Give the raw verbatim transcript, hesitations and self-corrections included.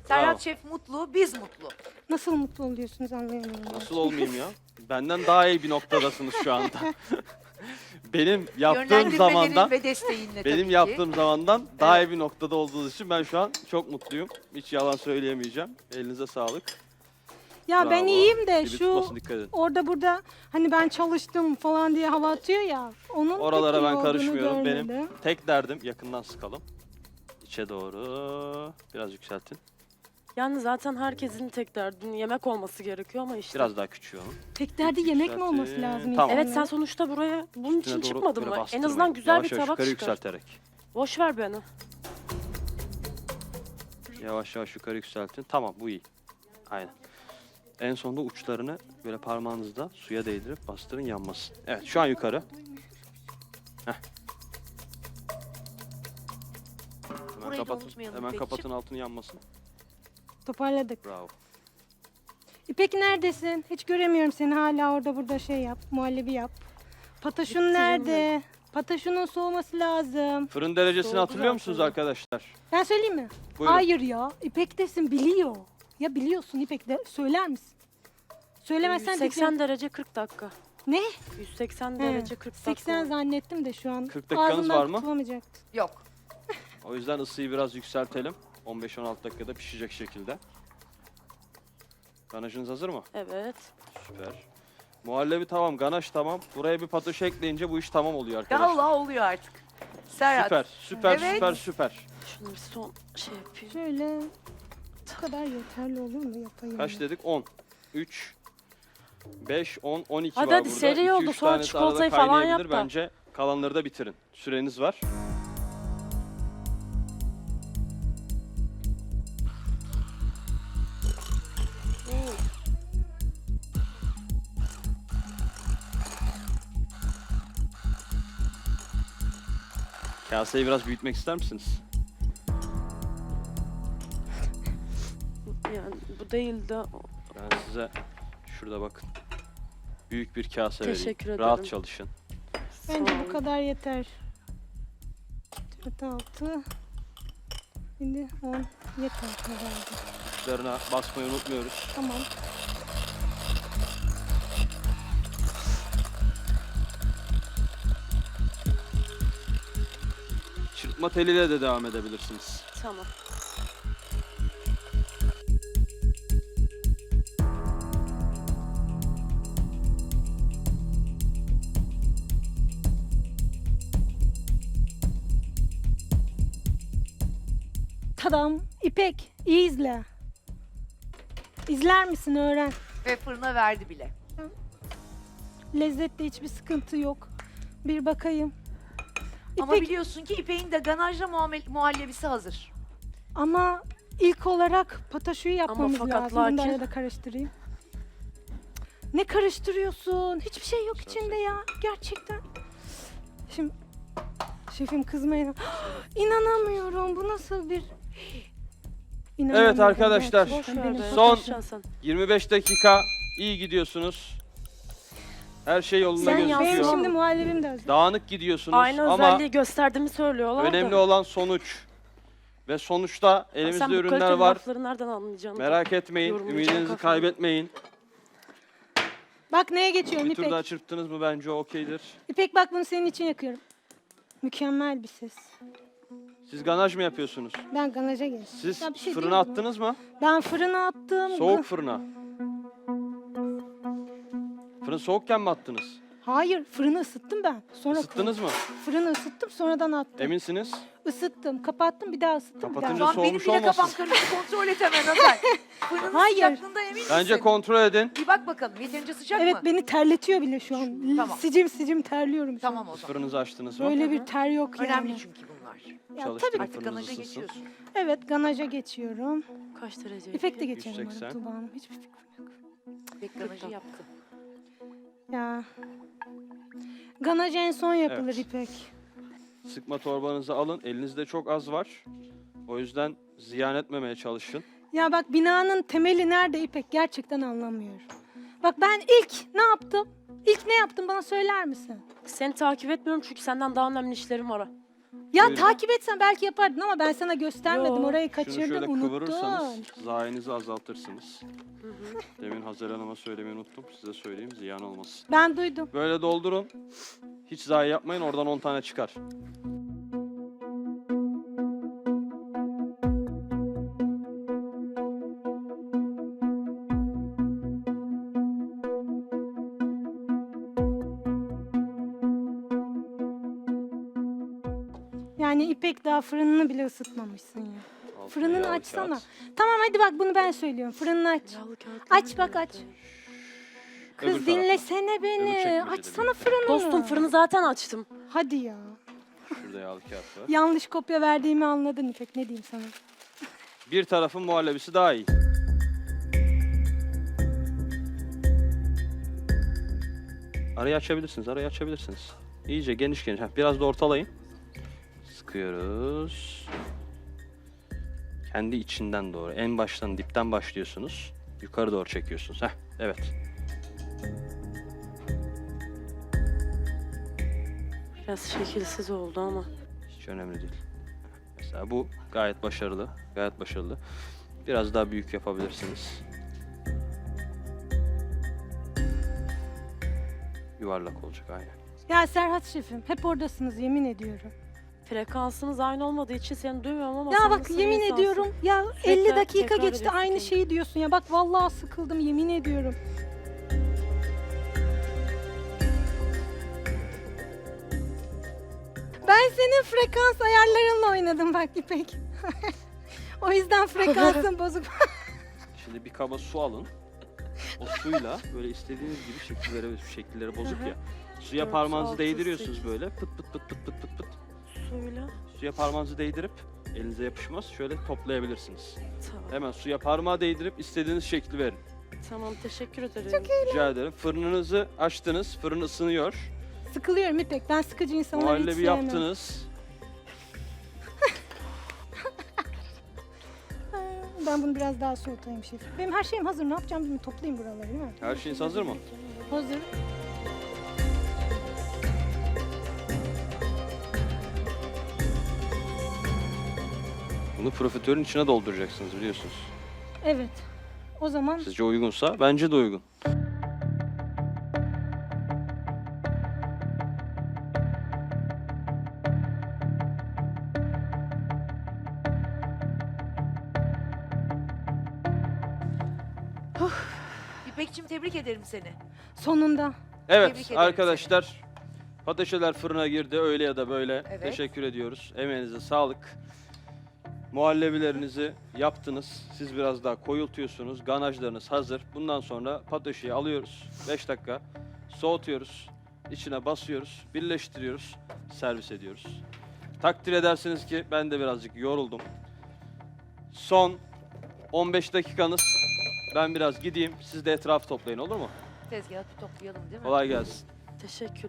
Serhat Şef mutlu, biz mutlu. Nasıl mutlu oluyorsunuz anlayamıyorum. Nasıl olmayayım ya? Benden daha iyi bir noktadasınız şu anda. Benim yaptığım zamandan, Yönlendirmelerin ve desteğinle tabii benim ki. yaptığım zamandan daha Evet. iyi bir noktada olduğunuz için ben şu an çok mutluyum. Hiç yalan söyleyemeyeceğim. Elinize sağlık. Ya Bravo. ben iyiyim de Dibi şu tutmasın, dikkat edin. orada burada hani ben çalıştım falan diye hava atıyor ya. Onun Oralara pek iyi ben olduğunu karışmıyorum. görmedim. Benim tek derdim yakından sıkalım. İçe doğru. Biraz yükseltin. Yani zaten herkesin tek derdinin yemek olması gerekiyor ama işte. Biraz daha küçüğü onun. Tek derdi yemek mi olması Yükseltin. lazım? Tamam. Evet sen insanların? sonuçta buraya bunun Üstüne için doğru çıkmadın böyle mı? En bastırmayın. azından güzel Yavaş bir yavaş tabak yukarı çıkar. yükselterek. Boş ver beni. Yavaş yavaş yukarı yükseltin. Tamam, bu iyi. Aynen. En sonunda uçlarını böyle parmağınızda suya değdirip bastırın, yanmasın. Evet, şu an yukarı. Heh. Hemen Burayı da kapatın. unutmayalım Hemen İpekciğim. kapatın, altını yanmasın. Toparladık. Bravo. İpek neredesin? Hiç göremiyorum seni, hala orada burada şey yap. Muhallebi yap. Pataşun Bitti canım nerede? Pataşunun soğuması lazım. Fırın derecesini Soğudu hatırlıyor musunuz zaten. arkadaşlar? Ben söyleyeyim mi? Buyurun. Hayır ya. İpek desin, biliyor. Ya biliyorsun İpek de, söyler misin? Söylemezsen yüz seksen diyeceğim. derece kırk dakika. Ne? yüz seksen He, derece kırk dakika. seksen zannettim de şu an. kırk dakikanız ağzımdan var mı? kurtulamayacaktı. Yok. O yüzden ısıyı biraz yükseltelim. on beş on altı dakikada pişecek şekilde. Ganajınız hazır mı? Evet. Süper. Muhallebi tamam, ganaj tamam. Buraya bir patates ekleyince bu iş tamam oluyor arkadaşlar. Allah oluyor artık. Serhat. Süper, süper, Evet. süper, süper. Şunu bir son şey yapayım. Şöyle bu kadar yeterli olur mu, yapayım? Kaç ya. dedik? on. üç, beş, on, on iki Hadi var hadi, burada. seri iki, oldu. üç Sonra tanesi çikolatayı arada falan kaynayabilir. yap da. Bence kalanları da bitirin. Süreniz var. Kaseyi biraz büyütmek ister misiniz? Yani bu değil de Ben size şurada bakın. Büyük bir kase Teşekkür vereyim. ederim. Rahat çalışın. Bence Sağ bu olun. kadar yeter. dört altı. Şimdi on yeter herhalde. Uçlarına basmayı unutmuyoruz. Tamam. Çırpma teliyle de devam edebilirsiniz. Tamam. Tadam. İpek, iyi izle. İzler misin, öğren. Ve fırına verdi bile. Lezzette hiçbir sıkıntı yok. Bir bakayım. Ama İpek, biliyorsun ki İpek'in de ganajla muamele- muhallebisi hazır. ama ilk olarak pataşuyu yapmamız fakat lazım. Bunu da lakin- arada karıştırayım. Ne karıştırıyorsun? Hiçbir şey yok Söz içinde ya. Gerçekten. Şimdi şefim kızmayın. İnanamıyorum. Bu nasıl bir... İnanamıyorum Evet arkadaşlar, gerçekten. Boş ver Benim be. Son- konuşacaksın sen. yirmi beş dakika iyi gidiyorsunuz. Her şey yolunda Sen gözüküyor. Benim yapsın. şimdi muhallebim de hazır. Dağınık gidiyorsunuz Aynı ama özelliği gösterdiğimi söylüyorlar önemli da. olan sonuç. Ve sonuçta elimizde Sen bu ürünler kaliteli var. lafları nereden anlayacaksın? Merak etmeyin, Yorumlayacağım ümidinizi kafamı. kaybetmeyin. Bak neye geçiyorum Bir tur İpek. daha çırptınız mı bence okeydir. İpek bak, bunu senin için yakıyorum. Mükemmel bir ses. Siz ganaj mı yapıyorsunuz? Ben ganaja geçtim. Siz Ya bir şey fırına diyeyim mi? attınız mı? Ben fırına attım. Soğuk fırına. Fırın soğukken mi attınız? Hayır, fırını ısıttım ben. Sonra Isıttınız mı? Fırını ısıttım, sonradan attım. Eminsiniz? Isıttım, kapattım, bir daha ısıttım. Bir Kapatınca Şu daha. an benim soğumuş bile kafam olmasın. karıştı. Kontrol et hemen Ömer. Fırının Hayır. sıcaklığından emin misin? Bence kontrol edin. Bir bak bakalım yeterince sıcak Evet, mı? beni terletiyor bile şu an. Tamam. Sicim sicim terliyorum şu Tamam an. o zaman. Fırınızı açtınız mı? Böyle bir ter yok yani. Önemli çünkü bunlar. Ya, Çalıştırın tabii. Artık fırınınız ganaja ısınsın. geçiyorsun. Evet, ganaja geçiyorum. Kaç derece? İpek de geçelim yüz bana seksen. Tuğba Hanım. Hiçbir fikrim yok. İpek ganajı yaptı. Ya. Ganaj en son yapılır Evet. İpek. Sıkma torbanızı alın. Elinizde çok az var. O yüzden ziyan etmemeye çalışın. Ya bak, binanın temeli nerede İpek? Gerçekten anlamıyorum. Bak ben ilk ne yaptım? İlk ne yaptım, bana söyler misin? Seni takip etmiyorum çünkü senden daha önemli işlerim var. Ya Buyurun. takip etsen belki yapardın ama ben sana göstermedim. Yo. Orayı Şunu kaçırdın, şöyle unuttun. kıvırırsanız zayenizi azaltırsınız. Demin Hazer Hanım'a söylemeyi unuttum. Size söyleyeyim ziyan olmasın. Ben duydum. Böyle doldurun. Hiç zayi yapmayın. Oradan on tane çıkar. Yani İpek daha fırınını bile ısıtmamışsın ya. Altına Fırınını yağlı açsana. kağıt. Tamam hadi bak bunu ben söylüyorum. Fırınını aç. Yağlı kağıt Aç bak aç. Öbür Kız tarafta. dinlesene Öbür beni. çekmecede Açsana bir- fırınını. Dostum fırını zaten açtım. Hadi ya. Şurada yağlı kağıt var. Yanlış kopya verdiğimi anladın İpek. Ne diyeyim sana? Bir tarafın muhallebisi daha iyi. Arayı açabilirsiniz, arayı açabilirsiniz. İyice geniş geniş. Heh, biraz da ortalayın. Sıkıyoruz. Kendi içinden doğru. En baştan dipten başlıyorsunuz. Yukarı doğru çekiyorsunuz. Heh, evet. Biraz şekilsiz oldu ama. Hiç önemli değil. Mesela bu gayet başarılı. Gayet başarılı. Biraz daha büyük yapabilirsiniz. Yuvarlak olacak aynen. Ya Serhat şefim hep oradasınız yemin ediyorum. Frekansımız aynı olmadığı için seni duymuyorum ama Ya sen bak nasıl yemin bir insansın? ediyorum ya Sürekli elli dakika tekrar geçti ediyorsun aynı kendini. şeyi diyorsun ya. Bak vallahi sıkıldım yemin ediyorum. Ben senin frekans ayarlarınla oynadım bak İpek. O yüzden frekansın bozuk. Şimdi bir kaba su alın. O suyla böyle istediğiniz gibi şekillere şekilleri bozuk ya. Suya Dört, parmağınızı altı, değdiriyorsunuz sekiz. böyle. Pıt pıt pıt pıt pıt pıt pıt. Suyla. Suya parmağınızı değdirip elinize yapışmaz. Şöyle toplayabilirsiniz. Tamam. Hemen suya parmağı değdirip istediğiniz şekli verin. Tamam teşekkür ederim. Rica ederim. Fırınınızı açtınız. Fırın ısınıyor. Sıkılıyorum İpek. Ben sıkıcı insanları hiç Muhallebi sevmem. yaptınız. Ha, Ben bunu biraz daha soğutayım şef. Benim her şeyim hazır. Ne yapacağım bilmiyorum. Toplayayım buraları değil mi? Her şeyiniz hazır mı? Hazır. Bunu profiterolün içine dolduracaksınız biliyorsunuz. Evet. O zaman Sizce uygunsa bence de uygun. İpek'cim tebrik ederim seni. sonunda. Evet Tebrik ederim arkadaşlar. Patateşler fırına girdi öyle ya da böyle. Evet. Teşekkür ediyoruz. Emeğinize sağlık. Muhallebilerinizi yaptınız. Siz biraz daha koyultuyorsunuz. Ganajlarınız hazır. Bundan sonra patateşi alıyoruz. beş dakika soğutuyoruz. İçine basıyoruz. Birleştiriyoruz. Servis ediyoruz. Takdir edersiniz ki ben de birazcık yoruldum. Son on beş dakikanız. Ben biraz gideyim. Siz de etrafı toplayın olur mu? Tezgahı toplayalım değil mi? Kolay gelsin. Teşekkür.